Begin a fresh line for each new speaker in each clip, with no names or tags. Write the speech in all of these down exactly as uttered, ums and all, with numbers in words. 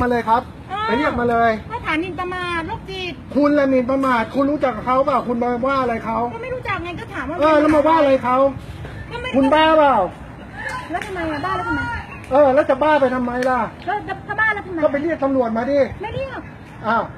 มาเลยครับไปเรียกมาเลย
ถ้าฐานหมิ่นประมาทโรคจิต
คุณละหมิ่นประมาทคุณรู้จักเขาเปล่าคุณมาว่าอะไรเขา
ก็ไม่รู้จักไงก็ถามว่า
เออแล้วมาว่าอะไรเขาคุณบ้าเปล่า
แล้วทำไมอะบ้าแล้วทำไม
เออแล้วจะบ้าไปทำไมล่ะ
แล้วถ้าบ้าแล้วทำไม
ก็ไปเรียกตำรวจมาดิ
ไม่เรียก
อ้าว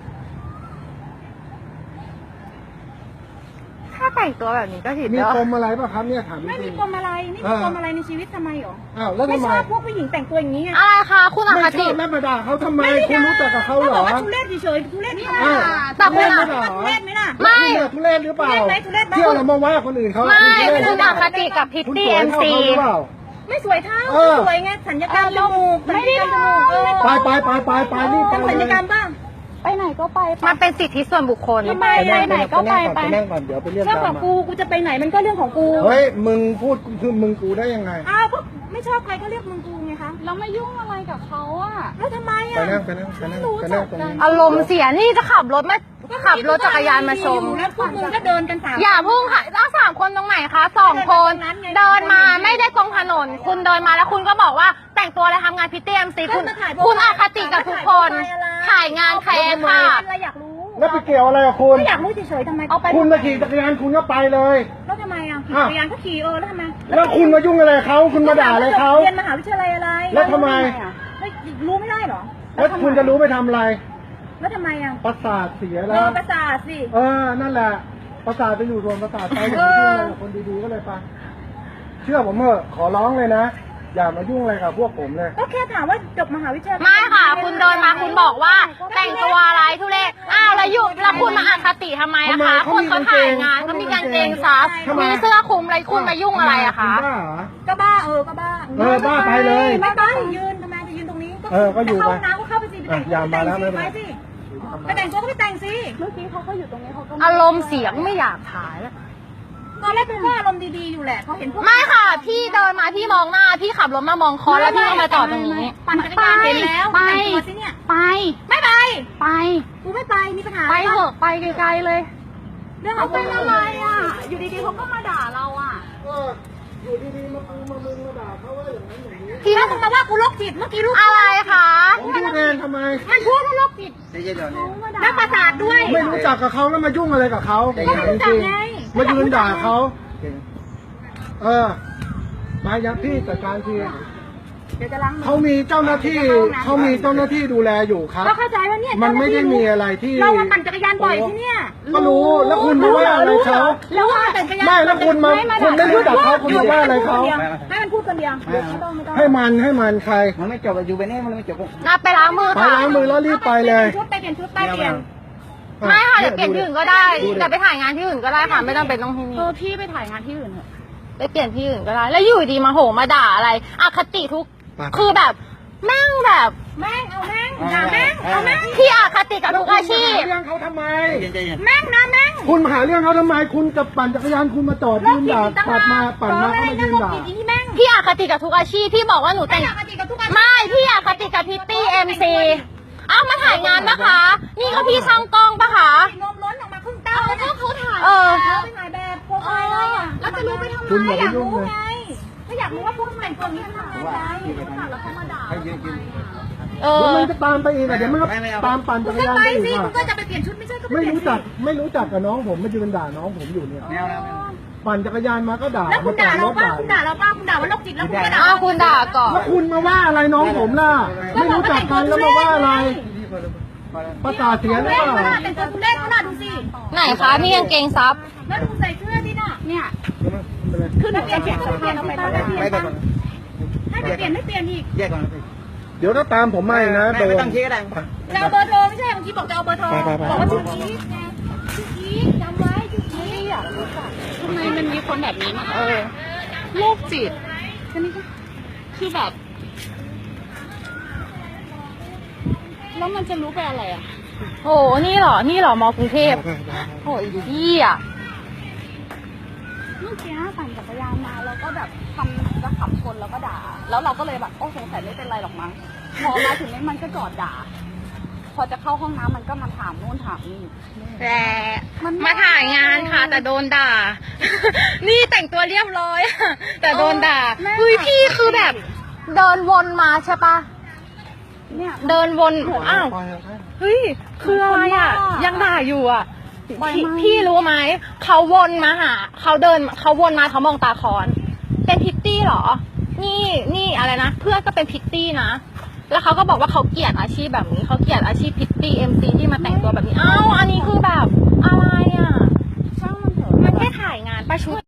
ถ้าแต่งตัวแบบนี้ก็ผิด
มีปมอะไรป่ะครับเนี่ยถาม
ไม่มีปมอะไรไม่มีปมอะไรในชีวิตทำไมหรอ
อ้าวแล้วทำไม
ไม่ชอบพวกผู้หญิงแต่งตัวอย่างนี้ไง
อะไรคะคุณอคติ
ไม่มาด่าเขาทำไมคุณรู้จักกับเขาเหรอ
ทุเรศเฉยๆทุเรศนี่นะ
แต่คุณ
ทุเรศไหมล่ะ
ไม่
ทุเรศหรือเปล่าเที่ยวเรามาว่าคนอื่นเขา
ไม่คุณอคติกับพิตตี้เอ็มซี
ไม่สวยเท่าสวยไงสัญญกรรมจมูกไม่ได้จมูก
ไปไปไปไปไปนี่ไป
สัญญกรรมบ้าง
ไปไหนก็ไปมันเป็นสิทธิส่วนบุคคล
ไปไหนก็ไปไป
นั่งก่อนเดี๋ยวไปเรียกเ
รื่องของกูกูจะไปไหนมันก็เรื่องของกู
เฮ้ยมึงพูดคือมึงกูได้ยังไง
อ้าวก็ไม่ชอบใครก็เรียกมึงกูไงคะ
เราไม่ยุ่งอะไรกับเขาอะ
แล้วทำไมอะ
ไปนั่งไปนั่งไปนั่งไปนั่งตรงนี้
อารมณ์เสียนี่จะขับรถมาขับรถจักรยานมาชม
แล้วพวกมึงก็เดินกันสาม
อย่าพุ่งค่ะแล้วสามคนตรงไหนคะสองคนเดินมาไม่ได้ตรงถนนคุณเดินมาแล้วคุณก็บอกว่าแต่งตัวอะไรทำงานพิตตี้เอ็มซีคุณคุณอคติกับทุกคนถ่ายงานใครค่ะ
อะไรอยากรู้
แล้วไปเกี่ยวอะไรกับคุณ
ไม่อยากรู้เฉยๆทำไม
คุณมาขี่จักรยานคุณก็ไปเลย
แล้วทำไมอ่ะขี่จักรยานก็ขี่เออแล้วทำไม
แล้วคุณมายุ่งอะไรเขาคุณมาด่าอะไรเขา
เรียนมหาวิทยาลัยอะไร
แล้วทำไม
ไม่รู้ไม่ได้หรอ
แล้วคุณจะรู้ไปทำอะไร
แล้วทำไมอ่ะ
ประสาทเสียแล้ว
เออประสาทสิ
เออนั่นแหละประสาทไปอยู่รวมประสาทไปอย่างที่คนดีๆก็เลยไปเชื่อผมเถอะขอร้องเลยนะอย่ามายุ่งอะไรกับพวกผมเลย
ก็แค่ถามว่าจบมหาวิทยาลัย
ไม่ค่ะคุณเดินมาคุณบอกว่าแต่งตัวอะไรทุเรศอ้าวแล้วอยู่แล้วคุณมาอคติทำไมอะคะคนเขาถ่ายงานเขามีกางเกงซับมีเสื้อคลุมอะไรคุณมายุ่งอะไรอะคะ
ก็บ้าเออก็บ้า
เออบ้าไปเลย
ไม่บ้ายืนทำไมจะยืนตรงนี้
เออก็อยู่ไป
น้ำก็เข้าไปสิไปแต่งตัวไปสิไปแต่งตัวก็ไปแต่งสิ
เมื่อกี้เขาก็อยู่ตรงนี้เขาก็อารมณ์เสียงไม่อยากถ่ายแล้ว
ตอนแรกเป็นว่าอารมณ์ดีๆอยู่แหละเขาเห็นพวก
ไม่ค่ะพี่เดินมาพี่มองหน้าพี่ขับรถมามองคอแล้วพี่ก็มาจอดตรงนี้
ปั่นจักรยานเห็นแล้ว
ไป
สิเนี่ย
ไป
ไม่ไป
ไป
กูไม่ไปมีปัญหา
ไปเถอะไปไกลๆเลย
เรื่องเขาเป็นอะไรอ่ะอยู่ดีๆเขาก็มาด่าเราอ่ะ
อยู่ดีๆมาปูมามึงมาด่าเขาว่าอย่างนั้นอย่างนี้
พี่มึงมาว่ากูโรคจิตเมื่อกี้รู้
อะไรคะ
ผมพูดเองทำไม
มันพูดว่าโรคจิตแล้วประสาทด้วย
ไม่รู้จักกับเขาแล้วมายุ่งอะไรกับเขา
ก็ไม่รู้จักไง
มายืนด่าเขาเออมาอย่างพี่จัดการทีเขามีเจ้าหน้าที่เขามีเจ้าหน้าที่ดูแลอยู่ครับ
ก็เข้าใจว่าเนี่ย
มันไม่ได้มีอะไรที่
เรามาปั่นจักรยานบ่อยที่เนี่ย
ก็รู้แล้วคุณมาว่าอะไรเขา
แล้วว่าแต่จักรยาน
ไม่แล้วคุณมาคุณไม่รู้จักเขาคุณมาว่าอะไรเขา
ให้มันพูดคนเดียว
ให้มันให้มันใคร
มันไม่จบอยู่ไปนี่มันไม่จบ
น่าไปล้างมือ
ค่ะไปล้างมือแล้วรีบไปเลย
ชุดไปเปลี่ยนชุดไปเปลี่ยน
ไม่ค่ะเดี๋ยวเปลี่ยนที่อื่นก็ได้แต่ไปถ่ายงานที่อื่นก็ได้ค่ะไม่ต้องเป็นต้องที่นี่
เออพี่ไปถ่ายงานที่อื่นเถอะ
ไปเปลี่ยนที่อื่นก็ได้แล้วอยู่ดีมาโหมาด่าอะไรอคติทุกคือแบบแม่งแบบ
แม่งเอาแม่งด่าแม่งเอาแม่ง
พี่อคติกับทุกอาชีพ
เรื่องเขาทำไม
แม่งนะแม่ง
คุณมาหาเรื่องเขาทำไมคุณจะปั่นจักรยานคุณมาจอดยืนด่าปัดมาปั่นมาเขามายืนด่า
พี่อคติกับทุกอาชีพพี่บอกว่าหนูแต่งไม่พี่อคติกับพิตตี้เอ็มซีอ้าวมาถ่ายงานปะคะนี่ก็พี่ช่างกล้องปะคะ
นมล้นออกมาครึ่งเต้าแล้วเขาถ่าย
เออ
ไปถ่ายแบบโปรไฟล์อะไรอ่ะแล้วจะรู้ไปทำไมอยากรู้ไงก็อยากรู้ว่าพวกแต่งตัวนี้ทำงานไงแล้วเขามาด่า
เออ
มันจะตามไปอีกอ่ะเดี๋ยวมันตามปั่นจักรยานไปอีกอ่ะ
ก็จะไปเปลี่ยนชุดไม่ใช่ก็
ไม่รู้จักไม่รู้จักกับน้องผมมายืนด่าน้องผมอยู่เนี่ยปั่นจักรยานมาก็ด่า
แล้วคุณด่าเราป้าคุณด่าเราป้าคุณด่าว่าโรคจิตแล้วคุณก็ด่า
คุณด่าก่อน
แล้วคุณมาว่าอะไรน้องผมล่ะไม่รู้จักกันแล้วมาว่าอะไรประสาทเสียหรือเปล่า
เป็นตัวคุณเล่นขนาดดูสิ
ไหนคะนี่กางเกงซับ
แล้วดูใส่เสื้อดิน่ะเนี่ยคือเปลี่ยนเปลี่ยนเปลี่ยนเอาไปไม่ก่อนให้เปลี่ยนไม่เปลี่ยนอีก
แยกก่อน
เดี๋ยวถ้าตามผมไม่นะโดน
ไม่ต้องชี้ก็ได้
จะเอาเบอร์โทรไม่ใช่เมื่อกี้บอกจะเอาเบอร์โทรบอกว่าชื่อกี้ชื่อกี้จำไว้ชื่อกี้อ่ะ
ทำไมมันมีคนแบบนี้มาเออโรคจิตคือแบบแล้วมันจะรู้ไปอะไรอ่ะโอ้นี่เหรอนี่เหรอมอกรุงเทพโอ้ยพี่อ่ะ
เมื่อกี้ปั่นจักรยานมาแล้วก็แบบทำจะขับชนแล้วก็ด่าแล้วเราก็เลยแบบโอ้สงสัยไม่เป็นไรหรอกมั้งพอมาถึงนี้มันก็จอดด่าพอจะเข้าห้องน้ำมันก็มาถามโน่นถามนี่
แต่มาถ่ายงานค่ะแต่โดนด่านี่แต่งตัวเรียบร้อยแต่โดนด่าเฮ้ยพี่คือแบบเดินวนมาใช่ปะ
เนี่ย
เดินวนอ้าว
ปล่อยให้
เฮ้ยคืออะไรอ่ะ
คนบ้ายั
ยังด่าอยู่อ่ะ
บ่อย
พี่
มาก
พี่รู้ไหมเขาวนมาหาเขาเดินเขาวนมาเขามองตาคอนเป็นพิตตี้เหรอ นี่นี่อะไรนะเพื่อนก็เป็นพิตตี้นะแล้วเขาก็บอกว่าเขาเกลียดอาชีพแบบนี้เขาเกลียดอาชีพพิตตี้เอ็มซีที่มาแต่งตัวแบบนี้อ้าวอันนี้คือแบบอะไรอ่ะ
ช่างมันเถอะ
มันแค่ถ่ายงานประชุด